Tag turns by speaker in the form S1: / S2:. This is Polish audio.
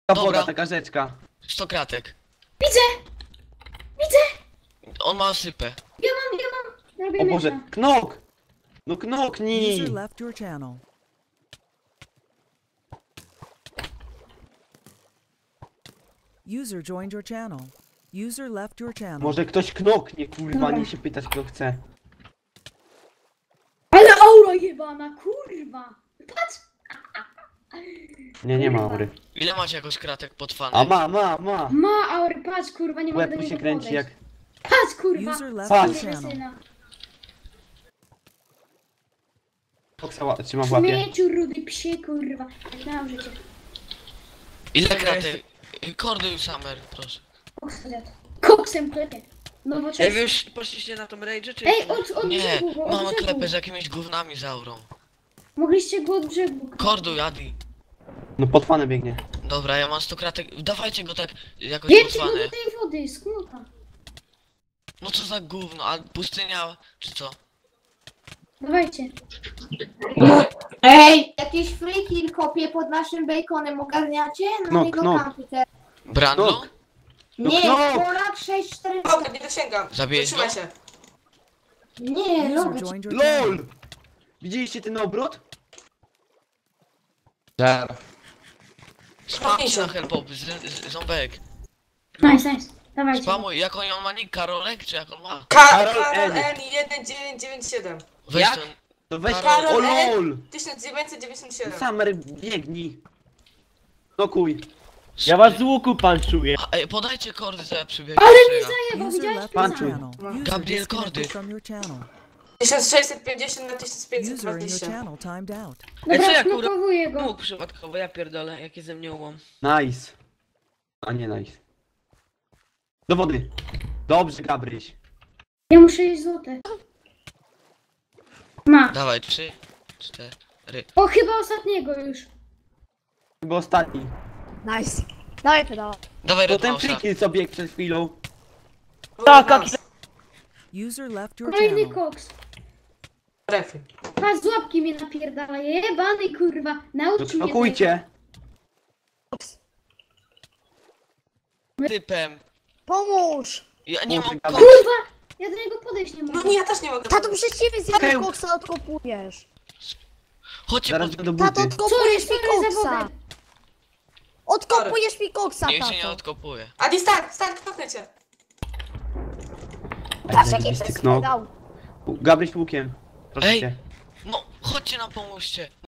S1: Ta woda,
S2: Dobra.
S1: taka rzeczka.
S2: 100 kratek.
S3: Widzę! Widzę!
S2: On ma sypę.
S3: Ja mam! Robię
S1: O Boże,
S3: miecza.
S1: knok! No knoknij!
S4: User left your channel. User joined your channel. User left your channel.
S1: Może ktoś knoknie, kurwa,
S3: Dobra.
S1: nie się pytać kto chce.
S3: Ale aura jebana, kurwa! Patrz!
S1: Nie ma aury.
S2: Ile macie jakoś kratek pod fanem?
S1: A ma.
S3: Ma aury, patrz kurwa, nie mogę
S1: Łeb
S3: do
S1: mu się
S3: niego
S1: kręci
S3: podejść.
S1: jak...
S3: Patrz kurwa!
S4: User left
S1: Patrz.
S4: your channel.
S3: Syna.
S1: Koksa trzyma w łapie.
S3: Śmieciu rudy psie kurwa. Jak na życie.
S2: Ile kratek? Kordy Summer, proszę.
S3: Koks zjadł. Koksem klepie. No bo
S5: Ej, wy już poszliście na tą rage'ę, czy...
S3: Ej, od
S2: Nie,
S3: brzegu, go, od
S2: mamy
S3: brzegu.
S2: klepę z jakimiś gównami z aurą.
S3: Mogliście go od brzegu.
S2: Kordu, Adi.
S1: No pod fanem biegnie.
S2: Dobra, ja mam 100 kratek. Dawajcie go tak jakoś pod
S3: Wiecie go
S2: fany.
S3: do tej wody, z knuka.
S2: No co za gówno, a pustynia, czy co?
S3: Dawajcie.
S6: Ej, jakieś free kill kopie pod naszym baconem ogarniacie? Na
S1: Knok,
S6: niego
S1: knok.
S6: komputer.
S2: Brando?
S1: Knok. No
S6: Nie,
S1: knok!
S6: Polak 6-4...
S5: Dobra, nie dosięgam.
S2: Zabiłeś
S5: Zatrzymaj
S2: go?
S5: się.
S6: Nie,
S4: User
S6: robić.
S4: joined your channel.
S1: LOL! Widzieliście ten obrót?
S2: Spamcie na helpop, ząbek.
S3: Nice. Dawajcie.
S2: Spamuj, jak on ma nick? Karolek, czy jak on ma?
S1: Karol
S5: Karol
S1: N.
S5: N 1997.
S2: Weź
S1: Jak?
S2: ten...
S1: To weź...
S2: Karol
S1: O
S5: N.
S1: LOL!
S5: 1997.
S1: Summer, biegnij. Knokuj.
S7: Ja was z łuku panczuję.
S2: Ej, podajcie kordy, co ja przybiegnę.
S3: Ale mi zajebał,
S4: User
S3: widziałeś?
S4: left your
S1: Panczuj.
S4: channel. User
S2: Gabriel
S4: disconnected
S2: Kordy.
S4: from your channel.
S5: 1650 na
S4: User in your
S5: 1520.
S4: channel timed out.
S5: Ej, co
S3: Dobra,
S5: ja, kurwa?
S3: knokowuję go.
S5: Mógł przypadkowo, ja pierdolę, jakie ze mnie ułom.
S1: Nice. A nie nice. Do wody. Dobrze, Gabryś.
S3: Ja muszę jeść złote. Ma.
S2: Dawaj, 3, 4.
S3: O, chyba ostatniego już.
S1: Chyba ostatni.
S6: Nice. Dawaj pedała.
S2: Dawaj,
S1: To
S2: Red
S1: ten
S2: Mouse'a.
S1: friki co biegł przed chwilą.
S7: Tak,
S4: User left your
S3: Kolejny
S4: channel.
S3: koks.
S5: Refy.
S3: Patrz, z łapki mnie napierdala. Jebany kurwa.
S1: To
S3: Naucz mnie tego.
S1: knokujcie.
S2: Typem.
S6: Pomóż!
S2: Ja nie mam
S1: Kurwa.
S2: koksa.
S3: Kurwa! Ja do niego podejść nie
S5: No
S3: mogę.
S5: nie, ja też nie mogę.
S6: Tato, przez ciebie
S1: Okej.
S6: zjadł koksa, odkopujesz.
S2: Chodźcie
S1: Zaraz
S2: pod...
S1: go do
S6: Tato,
S1: buty.
S6: odkopujesz mi
S3: Sorry za
S6: koksa.
S3: wodę.
S6: Odkopujesz mi koksa,
S2: Niech się nie
S6: tato.
S2: odkopuje.
S5: Adi, start, knoknę cię.
S6: Patrz, jaki
S1: Zajebisty
S6: to jest
S1: knok.
S6: pedał.
S1: Gabryś łukiem. Proszę
S2: Ej.
S1: cię.
S2: No, chodźcie nam pomóżcie.